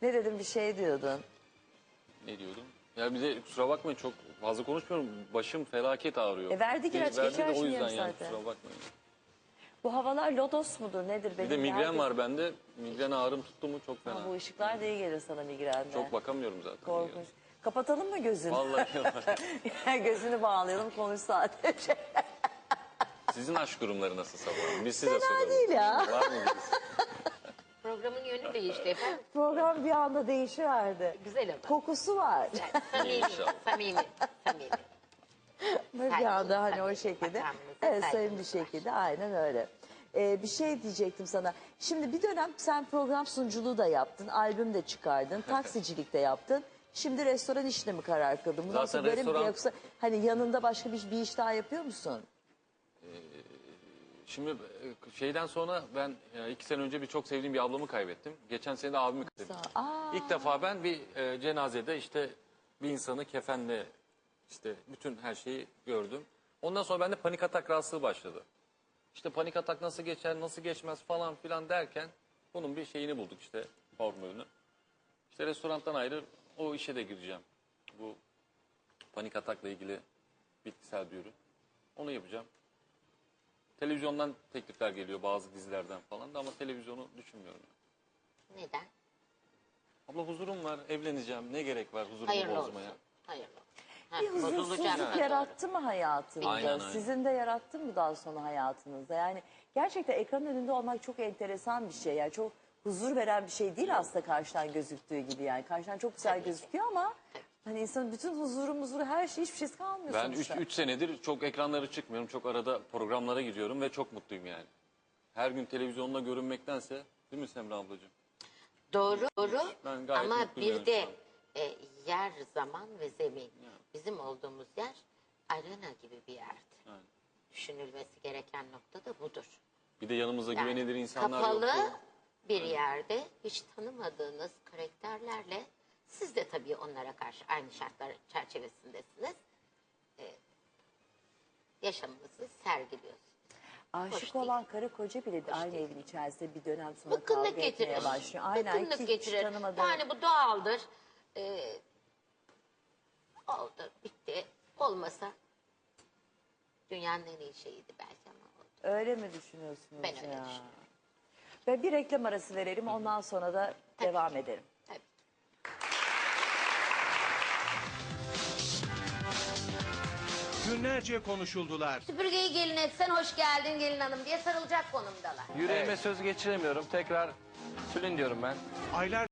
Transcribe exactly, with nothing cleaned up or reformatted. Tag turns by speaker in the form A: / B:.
A: Ne dedim, bir şey diyordun.
B: Ne diyordum? Ya bir de kusura bakmayın, çok fazla konuşmuyorum. Başım felaket ağrıyor.
A: E verdik ilaç,
B: Verdi
A: geçer
B: de o
A: şimdi
B: yüzden
A: yarım
B: yani
A: saate.
B: kusura bakmayın.
A: Bu havalar lodos mudur nedir?
B: Bir
A: Benim
B: de migren
A: herkes-
B: var bende. Migren ağrım tuttu mu çok
A: Ha,
B: fena.
A: bu ışıklar da iyi gelir sana migrende.
B: Çok bakamıyorum zaten.
A: Korkunç. Kapatalım mı gözünü?
B: Vallahi.
A: Gözünü bağlayalım, konuş sadece.
B: Sizin aşk durumları nasıl Sabah Hanım? Biz size
A: Fena
B: soralım.
A: değil ya.
B: Var mı birisi?
C: Programın yönü değişti efendim.
A: Program bir anda değişiverdi.
C: Güzel ama.
A: Kokusu var.
C: Samimi,
B: İnşallah.
C: samimi, samimi.
A: Böyle bir anda hani o şekilde.
C: Makamınıza
A: Evet, sayın bir
C: saygımız var.
A: şekilde, aynen öyle. Ee, bir şey diyecektim sana. Şimdi bir dönem sen program sunuculuğu da yaptın, albüm de çıkardın, taksicilik de yaptın. Şimdi restoran işine mi karar kıldın? Bundan
B: Zaten
A: sonra böyle mi,
B: restoran-
A: yoksa hani yanında başka bir, bir iş daha yapıyor musun?
B: Şimdi e, şeyden sonra ben e, iki sene önce bir çok sevdiğim bir ablamı kaybettim. Geçen sene de abimi kaybettim.
A: Aa,
B: İlk defa ben bir e, cenazede işte bir insanı kefenle işte bütün her şeyi gördüm. Ondan sonra bende panik atak rahatsızlığı başladı. İşte panik atak nasıl geçer, nasıl geçmez falan filan derken bunun bir şeyini bulduk işte, formülünü. İşte restorandan ayrı o işe de gireceğim. Bu panik atakla ilgili bitkisel bir ürün. Onu yapacağım. Televizyondan teklifler geliyor, bazı dizilerden falan da, ama televizyonu düşünmüyorum.
C: Neden?
B: Abla huzurum var, evleneceğim. Ne gerek var huzurumu
C: Hayırlı olsun.
B: bozmaya?
C: Hayırlı olsun. Ha,
A: bir
C: bozulacağım
A: huzursuzluk
C: da
A: yarattı mı hayatında?
B: Aynen, aynen.
A: Sizin de yarattı mı daha sonra hayatınızda? Yani gerçekten ekranın önünde olmak çok enteresan bir şey. Yani çok huzur veren bir şey değil aslında karşıdan gözüktüğü gibi yani. Karşıdan çok güzel
C: Tabii ki.
A: gözüküyor ama hani insanın bütün huzuru muzuru, her şey, hiçbir şey kalmıyor
B: Ben
A: sonuçta.
B: üç senedir çok ekranlara çıkmıyorum. Çok arada programlara gidiyorum ve çok mutluyum yani. Her gün televizyonda görünmektense, değil mi Semra ablacığım?
C: Doğru, doğru.
B: Ben gayet
C: Ama
B: mutluyum
C: bir
B: yani
C: de
B: şu an.
C: e, yer, zaman ve zemin. Bizim olduğumuz yer arena gibi bir yerdi.
B: Aynen.
C: Düşünülmesi gereken nokta da budur.
B: Bir de yanımızda
C: Yani
B: güvenilir insanlar
C: kapalı
B: yoktu.
C: bir yerde hiç tanımadığınız karakterlerle, siz de tabii onlara karşı aynı şartlar çerçevesindesiniz. E, yaşamınızı sergiliyorsunuz.
A: Aşık
C: Hoş değil.
A: olan karı koca bile de aynı
C: değil.
A: evin içerisinde bir dönem sonra kavga
C: Bıkkınlık
A: etmeye
C: getirir.
A: başlıyor. Aynen,
C: Bıkkınlık
A: hiç
C: getirir.
A: tanımadığı-
C: Yani bu doğaldır. Ee, oldu, bitti. Olmasa dünyanın en iyi şeyiydi belki ama oldu.
A: Öyle mi düşünüyorsunuz
C: Ben öyle
A: ya?
C: düşünüyorum.
A: Ve bir reklam arası verelim, ondan sonra da devam edelim.
C: Tabii.
D: Günlerce konuşuldular.
C: Süpürgeyi gelin etsen hoş geldin gelin hanım diye sarılacak konumdalar.
E: Yüreğime söz geçiremiyorum. Tekrar sülün diyorum ben.
D: Aylar